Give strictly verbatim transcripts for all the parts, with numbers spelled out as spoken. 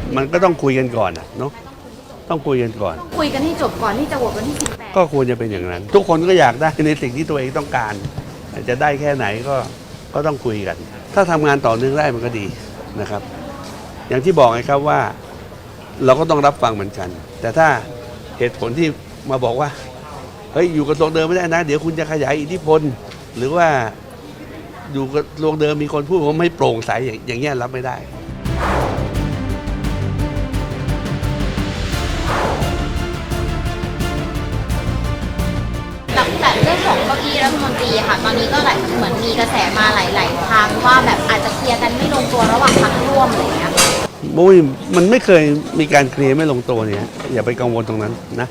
มันก็ต้องคุยกันก่อนเนาะต้องคุยกันก่อนคุยกันให้จบก่อนที่จะโหวตวันที่สิบแปดก็ควรจะเป็นอย่างนั้นทุกคนก็อยากได้ในสิ่งที่ตัวเองต้องการจะได้แค่ไหนก็ก็ต้องคุยกันถ้าทำงานต่อเนื่องได้มันก็ดีนะครับอย่างที่บอกไงครับว่าเราก็ต้องรับฟังเหมือนกันแต่ถ้าเหตุผลที่มาบอกว่าเฮ้ยอยู่กับตรงเดิมไม่ได้นะเดี๋ยวคุณจะขยายอิทธิพลหรือว่าอยู่กับตรงเดิมมีคนพูดว่าไม่โปร่งใสอย่างเงี้ยรับไม่ได้แบบเรื่องของเก้าอี้รัฐมนตรีค่ะตอนนี้ก็หลายเหมือนมีกระแสมาหลายๆทางว่าแบบอาจจะเคลียร์กันไม่ลงตัวระหว่างพรรคร่วมอะไรอย่างเงี้ยโอ้ยมันไม่เคยมีการเคลียร์ไม่ลงตัวเนี่ยอย่าไปกังวลตรงนั้นนะ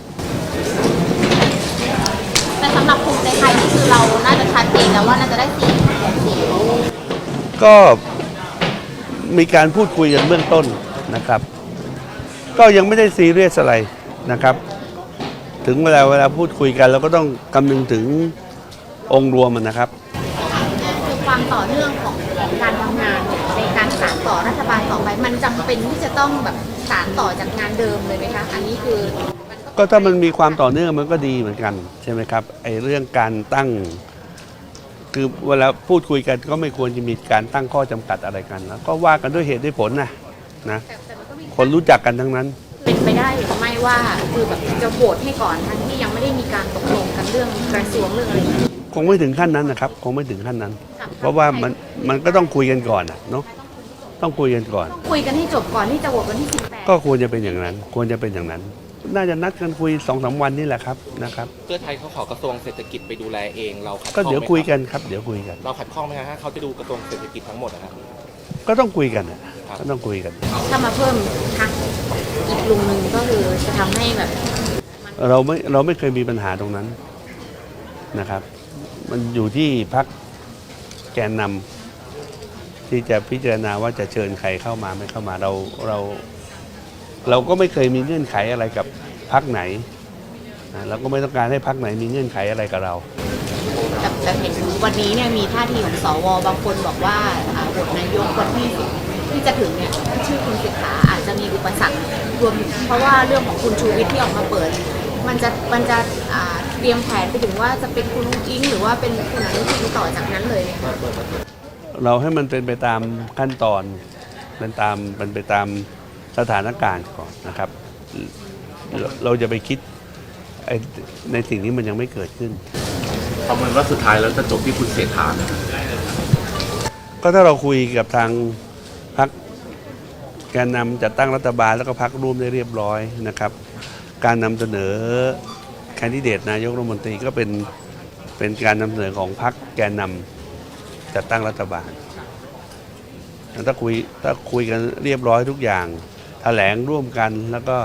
แต่สำหรับภูมิใจไทยนี่คือเราน่าจะชัดเจนแล้วว่าน่าจะได้สี่สี่ก็มีการพูดคุยกันเบื้องต้นนะครับก็ยังไม่ได้ซีเรียสอะไรนะครับถึงเวลาเวลาพูดคุยกันเราก็ต้องคำนึงถึงองค์รวมมันนะครับคือความต่อเนื่องของของการทำงานในการสานต่อรัฐบาลต่อไปมันจำเป็นที่จะต้องแบบสานต่อจากงานเดิมเลยไหมคะอันนี้คือก็ถ้ามันมีความต่อเนื่องมันก็ดีเหมือนกันใช่ไหมครับไอ้เรื่องการตั้งคือเวลาพูดคุยกันก็ไม่ควรจะมีการตั้งข้อจำกัดอะไรกันแล้วก็ว่ากันด้วยเหตุด้วยผลนะนะคนรู้จักกันทั้งนั้นเป็นไปได้หรือไม่ว่าคือแบบจะโหวตให้ก่อนทั้งที่ยังไม่ได้มีการตกลงกันเรื่องกระทรวงเรื่องอะไรคงไม่ถึงขั้นนั้นนะครับคงไม่ถึงขั้นนั้นเพราะว่ามันมันก็ต้องคุยกันก่อนเนาะต้องคุยกันก่อนคุยกันให้จบก่อนที่จะโหวตวันที่สิบแปดก็ควรจะเป็นอย่างนั้นควรจะเป็นอย่างนั้นน่าจะนัดกันคุยสองสามวันนี่แหละครับนะครับเพื่อไทยเขาขอกระทรวงเศรษฐกิจไปดูแลเองเราขัดข้องไหมก็เดี๋ยวคุยกันครับเดี๋ยวคุยกันเราขัดข้องไหมฮะเขาจะดูกระทรวงเศรษฐกิจทั้งหมดนะครับก็ต้องคุยกันนะก็ต้องคุยกันถ้ามาเพิ่มพรรคอีกลุงหนึ่งก็คือจะทำให้แบบเราไม่เราไม่เคยมีปัญหาตรงนั้นนะครับมันอยู่ที่พรรคแกนนำที่จะพิจารณาว่าจะเชิญใครเข้ามาไม่เข้ามาเราเราเราก็ไม่เคยมีเงื่อนไขอะไรกับพรรคไหนนะเราก็ไม่ต้องการให้พรรคไหนมีเงื่อนไขอะไรกับเราแต่แต่เห็นวันนี้เนี่ยมีท่าทีของสวบางคนบอกว่าโหวตนายกวันที่ที่จะถึงเนี่ยชื่อคุณเศรษฐาอาจจะมีอุปสรรครวมเพราะว่าเรื่องของคุณชูวิทย์ที่ออกมาเปิดมันจะมันจะเตรียมแผนไปถึงว่าจะเป็นคุณลุงอิงหรือว่าเป็นคุณอนุทินต่อจากนั้นเลยเราให้มันเป็นไปตามขั้นตอนเป็นตามเป็นไปตามสถานการณ์ก่อนนะครับเราจะไปคิดในสิ่งที่มันยังไม่เกิดขึ้นประเมินว่าสุดท้ายแล้วจะจบที่คุณเศรษฐาก็ถ้าเราคุยกับทางพรรคแกนนำจัดตั้งรัฐบาลแล้วก็พรรคร่วมได้เรียบร้อยนะครับการนำเสนอแคนดิเดตนายกรัฐมนตรีก็เป็นเป็นการนำเสนอของพรรคแกนนำจัดตั้งรัฐบาลถ้าคุยถ้าคุยกันเรียบร้อยทุกอย่างแถลงร่วมกันแล้วก็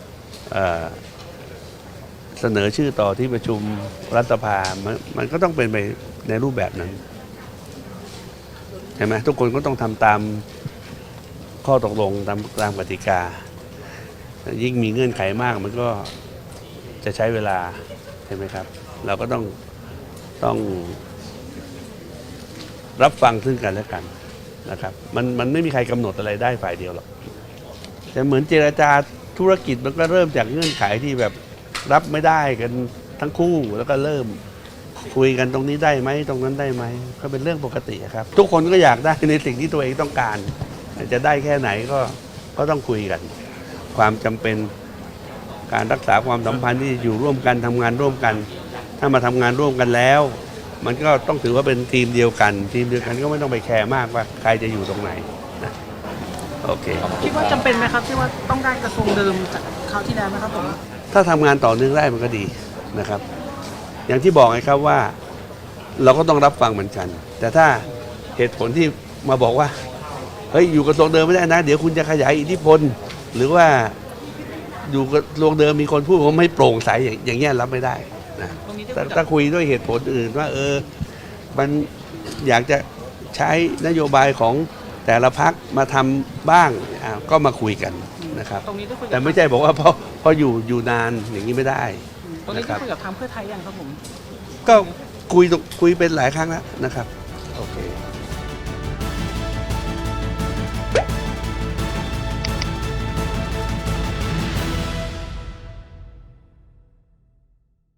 เสนอชื่อต่อที่ประชุมรัฐสภามันมันก็ต้องเป็นไปในรูปแบบนั้นใช่ไหมทุกคนก็ต้องทำตามข้อตกลงตามตามกติกายิ่งมีเงื่อนไขมากมันก็จะใช้เวลาใช่ไหมครับเราก็ต้องต้องรับฟังซึ่งกันและกันนะครับมันมันไม่มีใครกำหนดอะไรได้ฝ่ายเดียวหรอกแต่เหมือนเจรจาธุรกิจมันก็เริ่มจากเงื่อนไขที่แบบรับไม่ได้กันทั้งคู่แล้วก็เริ่มคุยกันตรงนี้ได้ไหมตรงนั้นได้ไหมก็เป็นเรื่องปกติครับทุกคนก็อยากได้ในสิ่งที่ตัวเองต้องการจะได้แค่ไหนก็ก็ต้องคุยกันความจำเป็นการรักษาความสัมพันธ์ที่อยู่ร่วมกันทำงานร่วมกันถ้ามาทำงานร่วมกันแล้วมันก็ต้องถือว่าเป็นทีมเดียวกันทีมเดียวกันก็ไม่ต้องไปแคร์มากว่าใครจะอยู่ตรงไหนนะโอเคคิดว่าจำเป็นไหมครับที่ว่าต้องได้กระทรวงเดิมจากคราวที่แล้วไหมครับผมถ้าทำงานต่อเนื่องได้มันก็ดีนะครับอย่างที่บอกไงครับว่าเราก็ต้องรับฟังเหมือนกันแต่ถ้าเหตุผลที่มาบอกว่าเฮ้ยอยู่กับตรงเดิมไม่ได้นะเดี๋ยวคุณจะขยายอิทธิพลหรือว่าอยู่กับตรงเดิมมีคนพูดว่าไม่โปร่งใสอย่างเงี้ยรับไม่ได้นะถ้าคุยด้วยเหตุผลอื่นว่าเออมันอยากจะใช้นโยบายของแต่ละพรรคมาทำบ้างก็มาคุยกันนะครับแต่ไม่ใช่บอกว่าเพราะเพราะอยู่อยู่นานอย่างนี้ไม่ได้ตรงนี้ได้คุยกับทางเพื่อไทยยังครับผมก็คุยคุยเป็นหลายครั้งแล้วนะครับโอเค